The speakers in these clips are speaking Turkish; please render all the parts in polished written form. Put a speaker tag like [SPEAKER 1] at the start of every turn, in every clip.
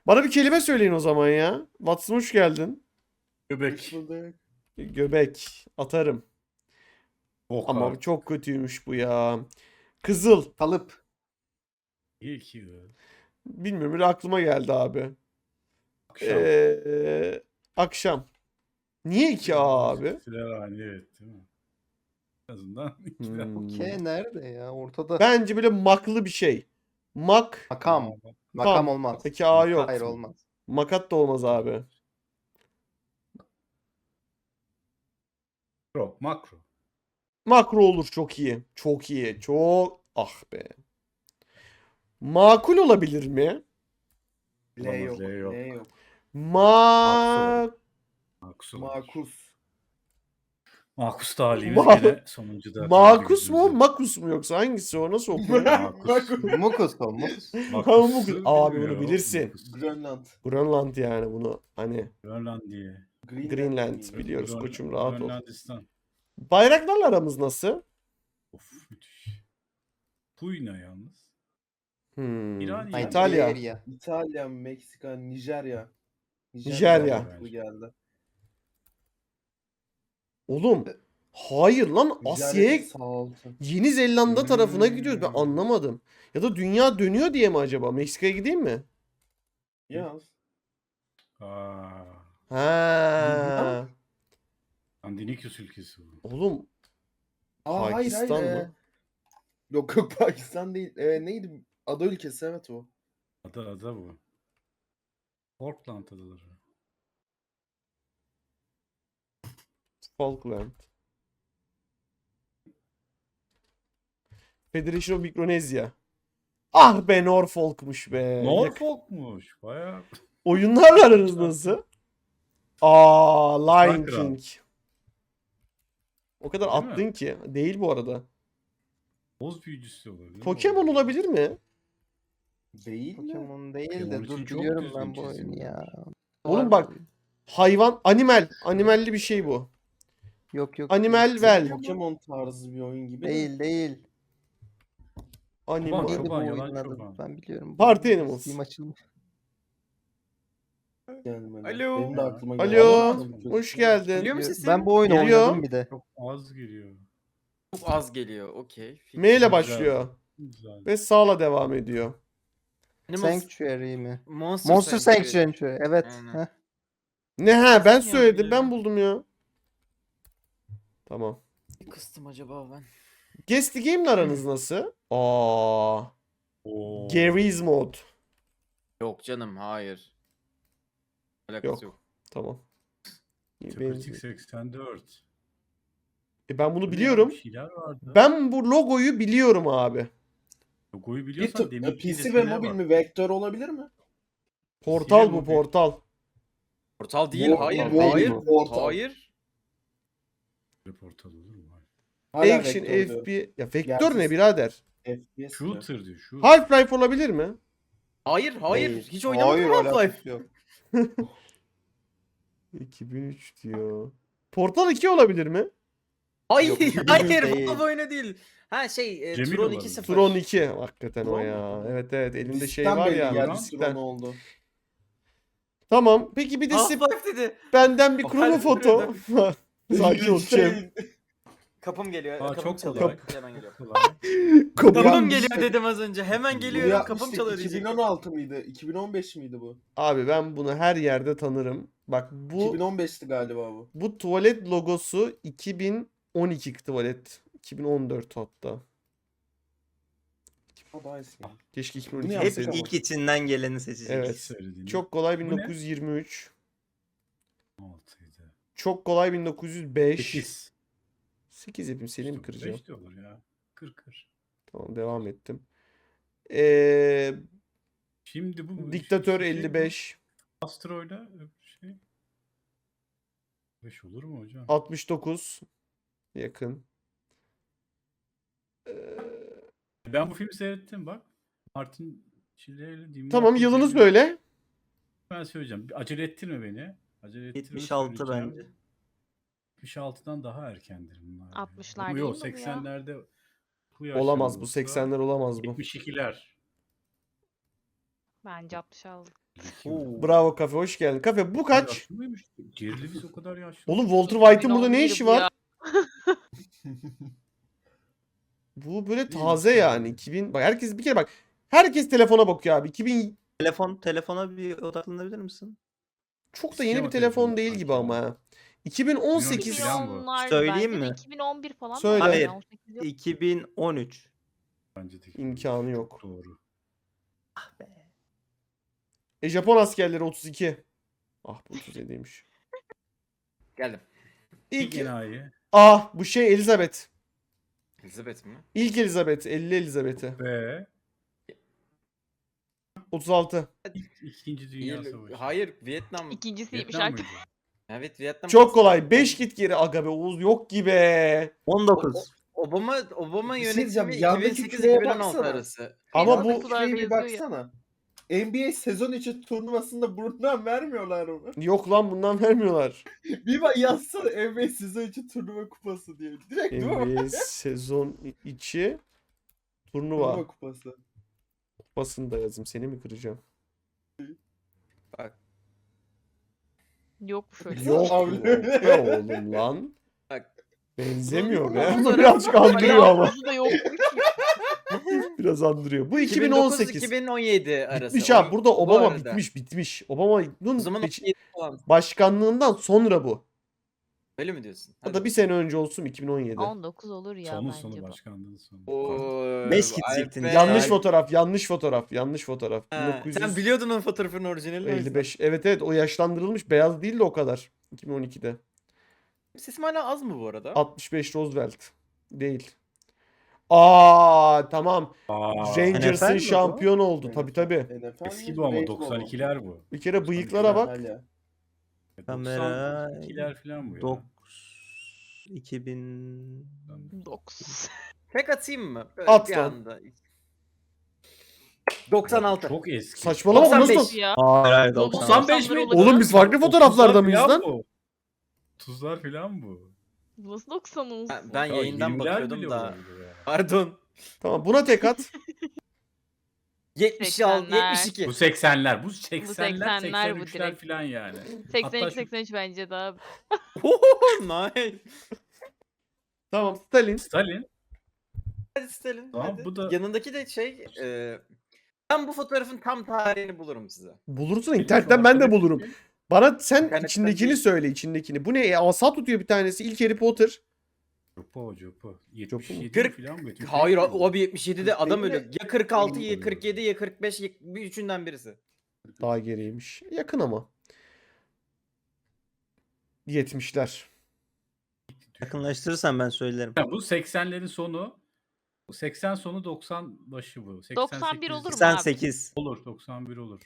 [SPEAKER 1] Bana bir kelime söyleyin o zaman ya. Watson hoş geldin.
[SPEAKER 2] Göbek.
[SPEAKER 1] Göbek. Atarım.
[SPEAKER 2] Bok
[SPEAKER 1] Ama bu
[SPEAKER 2] artık.
[SPEAKER 1] çok kötüymüş bu ya. Kızıl.
[SPEAKER 3] Kalıp.
[SPEAKER 2] İyi ki be.
[SPEAKER 1] Bilmiyorum öyle aklıma geldi abi.
[SPEAKER 2] Akşam.
[SPEAKER 1] Akşam. Niye 2A abi?
[SPEAKER 2] Silahhane evet değil mi? En azından
[SPEAKER 1] Hmm.
[SPEAKER 3] K nerede ya? Ortada.
[SPEAKER 1] Bence böyle maklı bir şey. Mak.
[SPEAKER 3] Makam.
[SPEAKER 1] Tam.
[SPEAKER 3] Makam olmaz.
[SPEAKER 1] Peki A yok.
[SPEAKER 3] Hayır olmaz.
[SPEAKER 1] Makat da olmaz abi.
[SPEAKER 2] Makro.
[SPEAKER 1] Makro olur çok iyi. Çok iyi. Çok. Ah be. Makul olabilir mi?
[SPEAKER 4] L
[SPEAKER 2] Olamaz,
[SPEAKER 4] yok.
[SPEAKER 2] L yok.
[SPEAKER 4] L yok.
[SPEAKER 1] Ma
[SPEAKER 2] Maksu.
[SPEAKER 4] Makus.
[SPEAKER 2] Makus talihimiz
[SPEAKER 1] Ma-
[SPEAKER 2] gene sonuncuda.
[SPEAKER 1] Makus mu? Makus mu yoksa hangisi o? Nasıl okuyor?
[SPEAKER 2] Makus.
[SPEAKER 3] Mukus o mukus.
[SPEAKER 1] Makus. Abi bunu bilirsin.
[SPEAKER 4] Grönland.
[SPEAKER 1] Grönland yani bunu hani
[SPEAKER 2] Grönlandiya.
[SPEAKER 1] Greenland
[SPEAKER 4] miydi?
[SPEAKER 1] biliyoruz koçum rahat ol.
[SPEAKER 2] Grönlandistan.
[SPEAKER 1] Bayraklarla aramız nasıl?
[SPEAKER 2] Of müthiş. Puyna yalnız.
[SPEAKER 1] İtalya.
[SPEAKER 3] İtalya.
[SPEAKER 4] İtalya, Meksika, Nijerya.
[SPEAKER 1] Nijerya.
[SPEAKER 4] mantıklı geldi.
[SPEAKER 1] Oğlum hayır lan Asya'ya
[SPEAKER 4] Nijerya sağ altı.
[SPEAKER 1] Yeni Zelanda tarafına gidiyoruz ben anlamadım. Ya da dünya dönüyor diye mi acaba? Meksika'ya gideyim mi?
[SPEAKER 4] Yaz.
[SPEAKER 2] Aa.
[SPEAKER 1] Ha.
[SPEAKER 2] Andinikus ülkesi bu.
[SPEAKER 1] Oğlum
[SPEAKER 4] Aa,
[SPEAKER 1] Pakistan
[SPEAKER 4] hayır,
[SPEAKER 1] mı?
[SPEAKER 4] Yok yok Pakistan değil. Neydi? Ada ülkesi evet o.
[SPEAKER 2] Ada bu. Portland adaları.
[SPEAKER 1] Falkland. Federation of Micronesia. Ah be Norfolk'muş be.
[SPEAKER 2] Norfolk'muş. Bayağı.
[SPEAKER 1] Oyunlarla aranız nasıl? Aa Lion
[SPEAKER 2] Kral.
[SPEAKER 1] King. O kadar
[SPEAKER 2] Değil mi?
[SPEAKER 1] attın ki. Değil bu arada.
[SPEAKER 2] Boz büyücüsü olabilir.
[SPEAKER 1] Pokemon olabilir mi?
[SPEAKER 4] Değil mi?
[SPEAKER 3] Pokemon değil
[SPEAKER 2] Pokemon
[SPEAKER 3] de
[SPEAKER 2] için
[SPEAKER 3] dur
[SPEAKER 2] çok
[SPEAKER 3] biliyorum
[SPEAKER 2] düzgün
[SPEAKER 3] ben bu oyunu
[SPEAKER 2] çizilmiş.
[SPEAKER 3] ya.
[SPEAKER 1] Oğlum bak. Hayvan. Animal. Animalli bir şey bu.
[SPEAKER 3] Yok yok.
[SPEAKER 1] Animal
[SPEAKER 3] değil.
[SPEAKER 1] Well.
[SPEAKER 4] Pokemon tarzı bir oyun gibi. de.
[SPEAKER 3] Değil değil.
[SPEAKER 1] Animal.
[SPEAKER 3] Neydi bu
[SPEAKER 2] Çoban,
[SPEAKER 3] oyunun
[SPEAKER 2] yalan
[SPEAKER 3] adı?
[SPEAKER 2] çoban.
[SPEAKER 3] Ben biliyorum.
[SPEAKER 1] Party
[SPEAKER 3] oyunu.
[SPEAKER 1] Animals.
[SPEAKER 3] Steam açılmış.
[SPEAKER 4] Gelmedi.
[SPEAKER 5] Alo.
[SPEAKER 4] Benim de aklıma geldi.
[SPEAKER 1] Alo.
[SPEAKER 4] Ama tabii kötü.
[SPEAKER 1] Hoş geldin.
[SPEAKER 5] Geliyor mu sesim?
[SPEAKER 3] Ben bu oyunu
[SPEAKER 1] Geliyor.
[SPEAKER 3] oynadım bir de.
[SPEAKER 2] Çok az giriyor.
[SPEAKER 5] Çok az geliyor. Okey.
[SPEAKER 1] M ile
[SPEAKER 2] Güzel.
[SPEAKER 1] başlıyor.
[SPEAKER 2] Güzel.
[SPEAKER 1] Ve sağla devam ediyor.
[SPEAKER 3] Sanctuary mi?
[SPEAKER 5] Monster,
[SPEAKER 3] Monster Sanctuary. Evet.
[SPEAKER 5] Aynen.
[SPEAKER 3] Heh.
[SPEAKER 1] Ne ha ben
[SPEAKER 5] Nasıl
[SPEAKER 1] söyledim
[SPEAKER 5] ya?
[SPEAKER 1] ben buldum ya. Tamam.
[SPEAKER 5] Ne kıstım acaba ben?
[SPEAKER 1] Guess the Game'le aranız nasıl? Aa.
[SPEAKER 2] Oo.
[SPEAKER 1] Garry's Mod.
[SPEAKER 5] Yok canım hayır. Alakası
[SPEAKER 1] Yok.
[SPEAKER 5] yok.
[SPEAKER 1] Tamam. İyi,
[SPEAKER 2] Kritik
[SPEAKER 1] benim-
[SPEAKER 2] 84.
[SPEAKER 1] Ben bunu
[SPEAKER 2] Bu ne
[SPEAKER 1] biliyorum.
[SPEAKER 2] ya? Bir şeyler vardı.
[SPEAKER 1] Ben bu logoyu biliyorum abi.
[SPEAKER 2] Logoyu
[SPEAKER 4] Bir
[SPEAKER 2] biliyorsan demin
[SPEAKER 4] PC ve mobil mi? Vektör olabilir mi?
[SPEAKER 1] Portal
[SPEAKER 2] Silah
[SPEAKER 1] bu
[SPEAKER 2] mobil.
[SPEAKER 1] portal.
[SPEAKER 5] Portal değil.
[SPEAKER 4] Bu-
[SPEAKER 5] Hayır.
[SPEAKER 4] bu-
[SPEAKER 5] Hayır.
[SPEAKER 4] portal.
[SPEAKER 5] Hayır.
[SPEAKER 2] Portal olur mu?
[SPEAKER 4] Hala
[SPEAKER 1] Action
[SPEAKER 4] vektör diyorum.
[SPEAKER 1] FB. Ya vektör
[SPEAKER 4] Gerçi-
[SPEAKER 1] ne birader?
[SPEAKER 4] FPS diyor.
[SPEAKER 2] Shooter diyor. Shooter.
[SPEAKER 1] Half-Life olabilir mi?
[SPEAKER 5] Hayır. Hayır.
[SPEAKER 3] Değil.
[SPEAKER 5] Hiç oynamadım
[SPEAKER 3] Hayır,
[SPEAKER 5] Half-Life.
[SPEAKER 3] alakası yok.
[SPEAKER 1] 2003 diyor. Portal 2 olabilir mi?
[SPEAKER 5] Hayır.
[SPEAKER 3] Yok,
[SPEAKER 5] Hayır.
[SPEAKER 3] değil.
[SPEAKER 5] Bu oyunu değil. Ha
[SPEAKER 2] Cemil
[SPEAKER 5] Tron
[SPEAKER 2] olabilir.
[SPEAKER 5] 2.0.
[SPEAKER 1] Tron 2. Hakikaten o
[SPEAKER 4] Tron
[SPEAKER 1] ya.
[SPEAKER 4] mu?
[SPEAKER 1] Evet evet elimde şey
[SPEAKER 4] Disitten
[SPEAKER 1] var
[SPEAKER 4] belli
[SPEAKER 1] ya.
[SPEAKER 4] geldi,
[SPEAKER 1] Disitten.
[SPEAKER 4] Tron oldu.
[SPEAKER 1] Tamam. Peki bir de
[SPEAKER 5] Half-Life dedi.
[SPEAKER 1] benden bir
[SPEAKER 5] O
[SPEAKER 1] krono
[SPEAKER 5] halde
[SPEAKER 1] foto. Sakin ol Cem.
[SPEAKER 5] Kapım geliyor.
[SPEAKER 2] Aa,
[SPEAKER 5] kapım
[SPEAKER 2] çok
[SPEAKER 5] çalıyor.
[SPEAKER 2] kolay.
[SPEAKER 5] Hemen geliyor.
[SPEAKER 2] Kolay.
[SPEAKER 1] Kapı-
[SPEAKER 5] Kapım
[SPEAKER 4] Yanlış.
[SPEAKER 5] geliyor dedim az önce. Hemen
[SPEAKER 4] Bu
[SPEAKER 5] geliyorum.
[SPEAKER 4] ya
[SPEAKER 5] Kapım
[SPEAKER 4] işte
[SPEAKER 5] çalıyor diyecektim.
[SPEAKER 4] 2016 mıydı? 2015 miydi bu?
[SPEAKER 1] Abi ben bunu her yerde tanırım. Bak bu
[SPEAKER 4] 2015'ti galiba bu.
[SPEAKER 1] bu tuvalet logosu 2012 tuvalet. 2014 hatta.
[SPEAKER 4] Ha, daha eski.
[SPEAKER 1] Keşke
[SPEAKER 4] Bunu
[SPEAKER 1] 2012
[SPEAKER 4] yaptık
[SPEAKER 3] Hep
[SPEAKER 1] deseydim.
[SPEAKER 4] ama.
[SPEAKER 3] ilk içinden geleni seçecek.
[SPEAKER 1] Evet.
[SPEAKER 2] Söylediğini.
[SPEAKER 1] Çok kolay
[SPEAKER 2] Bu ne?
[SPEAKER 1] 1923.
[SPEAKER 2] 6'ydı.
[SPEAKER 1] Çok kolay 1905.
[SPEAKER 2] 8.
[SPEAKER 1] 8 yapayım seni mi kıracağım?
[SPEAKER 2] 5 de olur ya. Kır.
[SPEAKER 1] Tamam devam ettim.
[SPEAKER 2] Şimdi bu
[SPEAKER 1] Diktatör
[SPEAKER 2] şey,
[SPEAKER 1] 55.
[SPEAKER 2] Astro'yla şey. 5 olur mu hocam?
[SPEAKER 1] 69. Yakın.
[SPEAKER 2] Ben bu filmi seyrettim bak. Martin Shkreli diyeyim.
[SPEAKER 1] Tamam
[SPEAKER 2] Martin
[SPEAKER 1] yılını
[SPEAKER 2] Shkreli.
[SPEAKER 1] söyle.
[SPEAKER 2] Ben söyleyeceğim. Acele ettirme beni. Acele ettirme
[SPEAKER 3] 76
[SPEAKER 2] söyleyeceğim.
[SPEAKER 3] bence.
[SPEAKER 2] 76'dan daha erkendir bunlar.
[SPEAKER 6] 60'lar
[SPEAKER 2] Bu
[SPEAKER 6] değil
[SPEAKER 2] yok
[SPEAKER 6] mi bu ya?
[SPEAKER 2] 80'lerde bu
[SPEAKER 1] Olamaz bu
[SPEAKER 2] yaşlarda olsa
[SPEAKER 1] 80'ler olamaz bu.
[SPEAKER 2] 72'ler.
[SPEAKER 6] Bence 66.
[SPEAKER 1] Bravo Kafe, hoş geldin. Kafe bu kaç?
[SPEAKER 2] Yaşlı mıymış? Jerry Lewis o kadar yaşlı.
[SPEAKER 1] Oğlum Walter White'ın burada ne
[SPEAKER 6] 2011
[SPEAKER 1] işi
[SPEAKER 6] bu
[SPEAKER 1] var?
[SPEAKER 6] ya.
[SPEAKER 1] Bu böyle
[SPEAKER 2] Değil,
[SPEAKER 1] taze
[SPEAKER 2] işte.
[SPEAKER 1] yani. 2000 bak herkes bir kere bak. Herkes telefona bakıyor abi. 2000
[SPEAKER 3] Telefona bir odaklanabilir misin?
[SPEAKER 1] çok da
[SPEAKER 2] Eski
[SPEAKER 1] yeni
[SPEAKER 2] ama
[SPEAKER 1] bir telefon
[SPEAKER 2] telefon
[SPEAKER 1] değil
[SPEAKER 2] sanki
[SPEAKER 1] gibi
[SPEAKER 2] ya.
[SPEAKER 1] ama ha. 2018
[SPEAKER 2] falan bu.
[SPEAKER 6] 2010'lar
[SPEAKER 3] Söyleyeyim
[SPEAKER 6] bence de
[SPEAKER 3] mi?
[SPEAKER 6] 2011 falan da
[SPEAKER 1] Söyle.
[SPEAKER 6] var
[SPEAKER 3] Hayır.
[SPEAKER 6] ya, 18 yok.
[SPEAKER 3] 2013.
[SPEAKER 2] Bence de.
[SPEAKER 1] imkanı yok.
[SPEAKER 2] Doğru.
[SPEAKER 1] Japon askerleri 32. Ah bu 37'ymiş.
[SPEAKER 5] Geldim.
[SPEAKER 2] İlk
[SPEAKER 1] İlk
[SPEAKER 2] enayi.
[SPEAKER 1] bu şey Elizabeth.
[SPEAKER 5] Elizabeth mi?
[SPEAKER 1] İlk Elizabeth, 50 Elizabeth'i.
[SPEAKER 2] Ve
[SPEAKER 1] 36.
[SPEAKER 2] İkinci Dünya Savaşı.
[SPEAKER 5] Hayır, Vietnam.
[SPEAKER 6] İkincisiymiş
[SPEAKER 2] Vietnam
[SPEAKER 6] artık.
[SPEAKER 2] mıydı?
[SPEAKER 5] Evet, Vietnam.
[SPEAKER 1] Çok kolay. 5 git geri aga be Oğuz yok gibi.
[SPEAKER 3] 19.
[SPEAKER 5] Obama
[SPEAKER 4] Bir şey diyeceğim,
[SPEAKER 5] yönetimi
[SPEAKER 4] yandaki
[SPEAKER 5] 2008-2016
[SPEAKER 4] küreye baksana.
[SPEAKER 5] arası.
[SPEAKER 1] Ama
[SPEAKER 6] Feyza'da
[SPEAKER 1] bu
[SPEAKER 6] kadar
[SPEAKER 4] Şuraya bir
[SPEAKER 6] benziyor ya.
[SPEAKER 4] baksana. NBA sezon içi turnuvasında bundan vermiyorlar onu.
[SPEAKER 1] yok lan bundan vermiyorlar.
[SPEAKER 4] Bir bak yazsana NBA sezon içi turnuva kupası diye. Direkt değil mi?
[SPEAKER 1] NBA sezon içi turnuva.
[SPEAKER 4] Turnuva kupası.
[SPEAKER 1] Kupasını da yazayım. Seni mi kıracağım?
[SPEAKER 5] Bak.
[SPEAKER 6] Yok şöyle.
[SPEAKER 1] Yok
[SPEAKER 4] Abi.
[SPEAKER 1] be oğlum lan.
[SPEAKER 5] Bak.
[SPEAKER 1] Benzemiyor be.
[SPEAKER 6] Fotoğraf-
[SPEAKER 1] Bu birazcık andırıyor ama.
[SPEAKER 6] Alakası da yok.
[SPEAKER 1] Biraz andırıyor. Bu 2018.
[SPEAKER 5] 2009-2017 arası.
[SPEAKER 1] Bitmiş abi. Burada
[SPEAKER 5] Bu
[SPEAKER 1] Obama
[SPEAKER 5] arada.
[SPEAKER 1] bitmiş.
[SPEAKER 5] O
[SPEAKER 1] Obama'nın
[SPEAKER 5] zaman 17 falan.
[SPEAKER 1] başkanlığından sonra bu.
[SPEAKER 5] Öyle mi diyorsun?
[SPEAKER 1] O da bir sene önce olsun 2017.
[SPEAKER 6] 19 olur ya
[SPEAKER 2] Sonu
[SPEAKER 6] bence
[SPEAKER 2] sonu
[SPEAKER 6] bu.
[SPEAKER 2] başkanlığın sonu.
[SPEAKER 5] Oo,
[SPEAKER 3] 5 gidecektin.
[SPEAKER 5] Alper.
[SPEAKER 1] Yanlış
[SPEAKER 3] Ay.
[SPEAKER 1] fotoğraf, yanlış fotoğraf, yanlış fotoğraf.
[SPEAKER 5] Ha, sen biliyordun onun fotoğrafının orijinalini. o yüzden.
[SPEAKER 1] 55. Evet o yaşlandırılmış. Beyaz değil de o kadar. 2012'de.
[SPEAKER 5] Sesim hala az mı bu arada?
[SPEAKER 1] 65 Roosevelt. Değil. Tamam.
[SPEAKER 2] Aa,
[SPEAKER 1] Rangers'ın
[SPEAKER 3] NFL mi bu?
[SPEAKER 1] şampiyon oldu. Tabii tabii.
[SPEAKER 4] NFL
[SPEAKER 2] eski
[SPEAKER 4] mi?
[SPEAKER 2] bu ama
[SPEAKER 4] Beyzbol mu?
[SPEAKER 2] 92'ler bu.
[SPEAKER 1] Bir kere bıyıklara bak.
[SPEAKER 4] Hala.
[SPEAKER 3] Kamera-
[SPEAKER 2] 92'ler falan bu ya.
[SPEAKER 3] 2000
[SPEAKER 6] 9.
[SPEAKER 5] Tek atayım mı? Böyle
[SPEAKER 1] At
[SPEAKER 5] bir
[SPEAKER 1] lan.
[SPEAKER 5] anda. 96.
[SPEAKER 2] Çok eski.
[SPEAKER 1] Saçmalama bu
[SPEAKER 5] 95.
[SPEAKER 1] nasıl?
[SPEAKER 6] Ya.
[SPEAKER 3] Hayır,
[SPEAKER 2] 95 mi?
[SPEAKER 1] Oğlum biz farklı fotoğraflarda mıyız
[SPEAKER 2] Tuzlar
[SPEAKER 1] lan?
[SPEAKER 2] falan bu. Tuzlar falan bu.
[SPEAKER 6] Nasıl 90 olsun?
[SPEAKER 5] Ben
[SPEAKER 2] Ya
[SPEAKER 5] yayından
[SPEAKER 2] 20'ler
[SPEAKER 5] bakıyordum
[SPEAKER 2] bile
[SPEAKER 5] da.
[SPEAKER 2] olabilir ya.
[SPEAKER 5] Pardon.
[SPEAKER 1] Tamam buna tek at.
[SPEAKER 5] 76,
[SPEAKER 6] 80'ler.
[SPEAKER 5] 72.
[SPEAKER 2] Bu 80'ler. Bu 80'ler
[SPEAKER 6] 80'ler bu
[SPEAKER 2] 83'ler
[SPEAKER 6] direkt.
[SPEAKER 2] falan yani.
[SPEAKER 6] 83
[SPEAKER 2] şu-
[SPEAKER 6] 83 bence daha.
[SPEAKER 5] Nice.
[SPEAKER 1] Tamam Stalin.
[SPEAKER 2] Stalin.
[SPEAKER 5] Hadi Stalin.
[SPEAKER 2] Tamam,
[SPEAKER 5] hadi.
[SPEAKER 2] bu da-
[SPEAKER 5] Yanındaki de ben bu fotoğrafın tam tarihini bulurum size.
[SPEAKER 1] Bulursun internetten ben de bulurum. Bana sen
[SPEAKER 5] İnternetten
[SPEAKER 1] içindekini
[SPEAKER 5] değil.
[SPEAKER 1] söyle içindekini. Bu ne? Asa tutuyor bir tanesi. İlk Harry Potter.
[SPEAKER 2] Jopo.
[SPEAKER 1] Jopo mu?
[SPEAKER 2] 77
[SPEAKER 5] Kırk-
[SPEAKER 2] falan bu.
[SPEAKER 5] Hayır abi 77'de adam
[SPEAKER 4] Değil mi?
[SPEAKER 5] ölüyor. Ya 46 ya
[SPEAKER 2] Oluyor.
[SPEAKER 5] 47 ya 45 ya bir üçünden birisi.
[SPEAKER 1] Daha geriymiş. Yakın ama. 70'ler.
[SPEAKER 3] yakınlaştırırsan ben söylerim.
[SPEAKER 2] Ya bu 80'lerin sonu. Bu 80 sonu 90 başı bu.
[SPEAKER 6] 91 olur mu?
[SPEAKER 3] 88.
[SPEAKER 2] Olur 91 olur.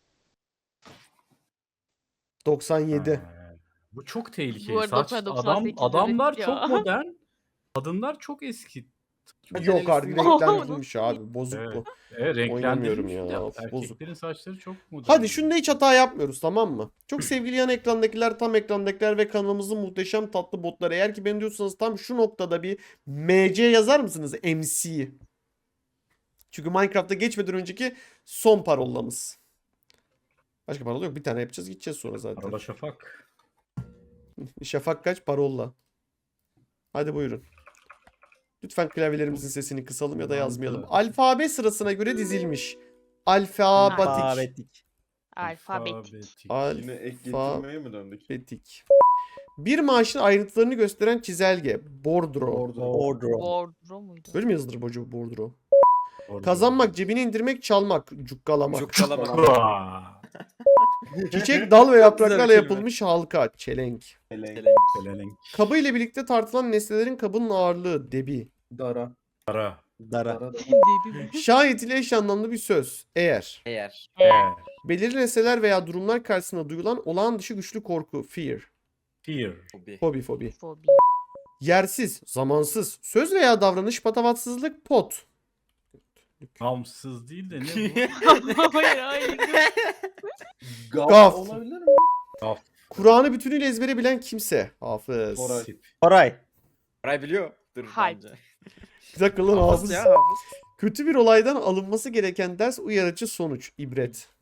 [SPEAKER 1] 97.
[SPEAKER 2] Ha, bu çok tehlikeli.
[SPEAKER 6] Bu arada
[SPEAKER 2] Saç,
[SPEAKER 6] 98
[SPEAKER 2] adamlar
[SPEAKER 6] evet
[SPEAKER 2] çok
[SPEAKER 6] ya.
[SPEAKER 2] modern. Kadınlar çok eski.
[SPEAKER 1] Yok artık
[SPEAKER 6] Oha,
[SPEAKER 1] renkler
[SPEAKER 6] nasıl
[SPEAKER 1] yapılmış abi. Bozuk
[SPEAKER 2] Evet.
[SPEAKER 1] bu.
[SPEAKER 2] Renklendirilmiş
[SPEAKER 1] Oynamıyorum ya,
[SPEAKER 2] bir de.
[SPEAKER 1] of, bozuk.
[SPEAKER 2] Erkeklerin saçları çok modern.
[SPEAKER 1] Hadi şunda hiç hata yapmıyoruz tamam mı? Çok sevgili yan ekrandakiler, tam ekrandakiler ve kanalımızın muhteşem tatlı botları. Eğer ki beni diyorsanız tam şu noktada bir MC yazar mısınız? MC. Çünkü Minecraft'a geçmeden önceki son parolamız. Başka parola yok. Bir tane yapacağız gideceğiz sonra zaten.
[SPEAKER 2] Arada Şafak.
[SPEAKER 1] Şafak kaç parola. Hadi buyurun. Lütfen klavyelerimizin sesini kısalım ya da yazmayalım. Alfabe sırasına göre dizilmiş. Alfabetik.
[SPEAKER 3] Alfabetik.
[SPEAKER 6] Alfabetik.
[SPEAKER 4] Yine ek getirmeye mi döndük?
[SPEAKER 1] Alfabetik. Bir maaşın ayrıntılarını gösteren çizelge. Bordro.
[SPEAKER 3] Ordro.
[SPEAKER 6] Bordro muydu?
[SPEAKER 1] Böyle mi yazılır bu bordro?
[SPEAKER 2] Orada.
[SPEAKER 1] Kazanmak, cebine indirmek, çalmak, cukkalamak.
[SPEAKER 5] Cukkalamak.
[SPEAKER 2] Aa,
[SPEAKER 1] Çiçek, dal ve yapraklarla
[SPEAKER 5] kelime.
[SPEAKER 1] yapılmış halka. Çelenk.
[SPEAKER 2] Pelelenk.
[SPEAKER 1] Kabı ile birlikte tartılan nesnelerin kabının ağırlığı. Debi.
[SPEAKER 4] Dara.
[SPEAKER 2] Ara.
[SPEAKER 3] Dara.
[SPEAKER 4] Dara.
[SPEAKER 6] Dedi.
[SPEAKER 1] Şayet ile eş anlamlı bir söz. Eğer.
[SPEAKER 5] Eğer.
[SPEAKER 1] Belirli nesneler veya durumlar karşısında duyulan olağan dışı güçlü korku. Fear.
[SPEAKER 2] Fear.
[SPEAKER 5] Hobi.
[SPEAKER 1] Fobi.
[SPEAKER 6] Fobi.
[SPEAKER 1] Yersiz, zamansız, söz veya davranış patavatsızlık. Pot.
[SPEAKER 2] Gamsız değil de ne bu?
[SPEAKER 6] Hayır hayır.
[SPEAKER 1] Gaf.
[SPEAKER 4] Olabilir mi?
[SPEAKER 1] Kur'an'ı bütünüyle ezbere bilen kimse. Hafız.
[SPEAKER 4] Koray.
[SPEAKER 2] Sip.
[SPEAKER 3] Koray.
[SPEAKER 5] Ray biliyor. Dur
[SPEAKER 6] Hype.
[SPEAKER 5] bence.
[SPEAKER 1] Bir dakika lan
[SPEAKER 5] Hafız
[SPEAKER 1] hafız.
[SPEAKER 5] ya hafız.
[SPEAKER 1] Kötü bir olaydan alınması gereken ders, uyarıcı sonuç. İbret.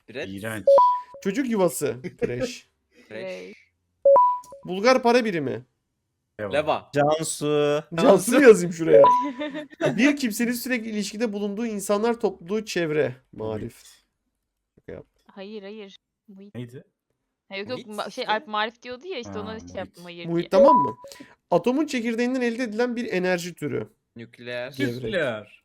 [SPEAKER 5] Brett.
[SPEAKER 2] İğrenç.
[SPEAKER 1] Çocuk yuvası. Fresh.
[SPEAKER 5] Fresh.
[SPEAKER 1] Bulgar para birimi.
[SPEAKER 5] Leva.
[SPEAKER 3] Cansu.
[SPEAKER 1] Cansu mu yazayım şuraya? Bir kimsenin sürekli ilişkide bulunduğu insanlar topluluğu çevre. Marif.
[SPEAKER 6] Hayır. Muhit.
[SPEAKER 2] Neydi?
[SPEAKER 6] Ha, yok yok
[SPEAKER 5] Muhit
[SPEAKER 6] şey
[SPEAKER 5] işte.
[SPEAKER 6] Alp Marif diyordu ya işte
[SPEAKER 2] Ha,
[SPEAKER 6] ona şey
[SPEAKER 2] muhit.
[SPEAKER 6] yaptım hayır
[SPEAKER 1] Muhit
[SPEAKER 6] diye.
[SPEAKER 1] tamam mı? Atomun çekirdeğinden elde edilen bir enerji türü.
[SPEAKER 5] Nükleer.
[SPEAKER 1] Gevrek.
[SPEAKER 2] Nükleer.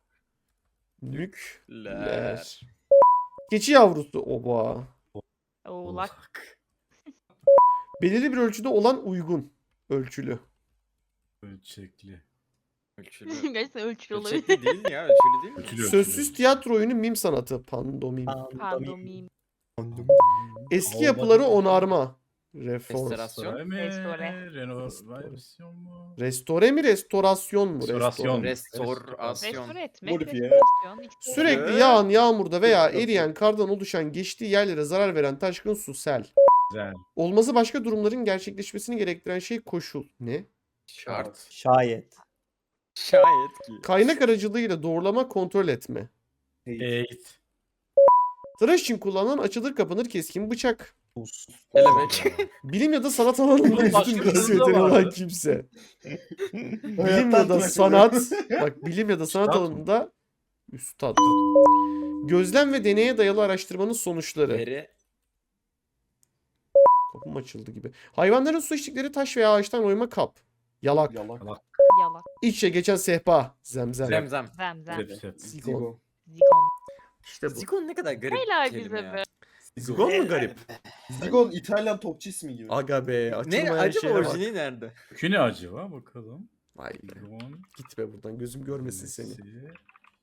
[SPEAKER 1] Nükleer. Keçi yavrusu. Oba.
[SPEAKER 6] Oğlak.
[SPEAKER 1] Belirli bir ölçüde olan uygun. Ölçülü.
[SPEAKER 2] Ölçekli.
[SPEAKER 5] Ölçülü.
[SPEAKER 6] Gerçekten ölçülü olabilir.
[SPEAKER 5] Ölçekli değil mi ya? Ölçülü değil mi?
[SPEAKER 2] Ölçülü.
[SPEAKER 1] Sözsüz tiyatro oyunu mim sanatı. Pandomim.
[SPEAKER 6] Pandomim.
[SPEAKER 1] Eski yapıları onarma. Reform.
[SPEAKER 5] Restorasyon.
[SPEAKER 6] Restore.
[SPEAKER 2] Renovasyon mu?
[SPEAKER 1] Restore mi restorasyon mu?
[SPEAKER 2] Restorasyon.
[SPEAKER 5] Restorasyon.
[SPEAKER 6] Restore etmek.
[SPEAKER 4] Modifiye.
[SPEAKER 6] Restorasyon. ikisi de
[SPEAKER 1] Sürekli
[SPEAKER 5] Evet.
[SPEAKER 1] yağan yağmurda veya
[SPEAKER 4] Restorasyon.
[SPEAKER 1] eriyen kardan oluşan geçtiği yerlere zarar veren taşkın su sel.
[SPEAKER 2] Güzel.
[SPEAKER 1] Olması başka durumların gerçekleşmesini gerektiren şey koşul. Ne?
[SPEAKER 5] Şart.
[SPEAKER 3] Şayet.
[SPEAKER 5] Şayet ki.
[SPEAKER 1] Kaynak aracılığıyla doğrulama kontrol etme.
[SPEAKER 2] Eğit.
[SPEAKER 1] Tıraş için kullanılan açılır kapanır keskin bıçak.
[SPEAKER 3] Buz.
[SPEAKER 5] Kelebek.
[SPEAKER 1] Bilim ya da sanat alanında
[SPEAKER 2] Bunun başka
[SPEAKER 1] üstün
[SPEAKER 2] bir
[SPEAKER 1] görüş
[SPEAKER 2] türlü de
[SPEAKER 1] yeteneği olan
[SPEAKER 2] vardı.
[SPEAKER 1] kimse. Bilim
[SPEAKER 4] Hayattan
[SPEAKER 1] ya da
[SPEAKER 4] bırakın.
[SPEAKER 1] sanat. Bak bilim ya da sanat
[SPEAKER 2] Üstad mı?
[SPEAKER 1] alanında üstad. Gözlem ve deneye dayalı araştırmanın sonuçları.
[SPEAKER 5] Veri.
[SPEAKER 1] Kapım açıldı gibi. Hayvanların su içtikleri taş veya ağaçtan oyma kap. Yalak.
[SPEAKER 4] Yalak.
[SPEAKER 6] Yalak.
[SPEAKER 1] İç içe geçen sehpa. Zemzem.
[SPEAKER 5] Zemzem.
[SPEAKER 6] Zemzem.
[SPEAKER 2] Sep sep.
[SPEAKER 1] Zigon.
[SPEAKER 4] Zigo.
[SPEAKER 6] Zigon.
[SPEAKER 1] İşte bu.
[SPEAKER 5] Zigon ne kadar garip
[SPEAKER 6] Helal
[SPEAKER 5] bir kelime
[SPEAKER 6] bize
[SPEAKER 5] ya.
[SPEAKER 6] be.
[SPEAKER 1] Zigon mu garip?
[SPEAKER 4] Zigon İtalyan topçu ismi gibi.
[SPEAKER 1] Aga be.
[SPEAKER 5] Ne
[SPEAKER 1] Açılmayan
[SPEAKER 5] acaba
[SPEAKER 1] şeye bak.
[SPEAKER 5] orijinali nerede?
[SPEAKER 2] Kökü ne acaba bakalım.
[SPEAKER 1] Vay be.
[SPEAKER 2] Zigon.
[SPEAKER 1] Gitme buradan. Gözüm görmesin seni.
[SPEAKER 2] Nesi?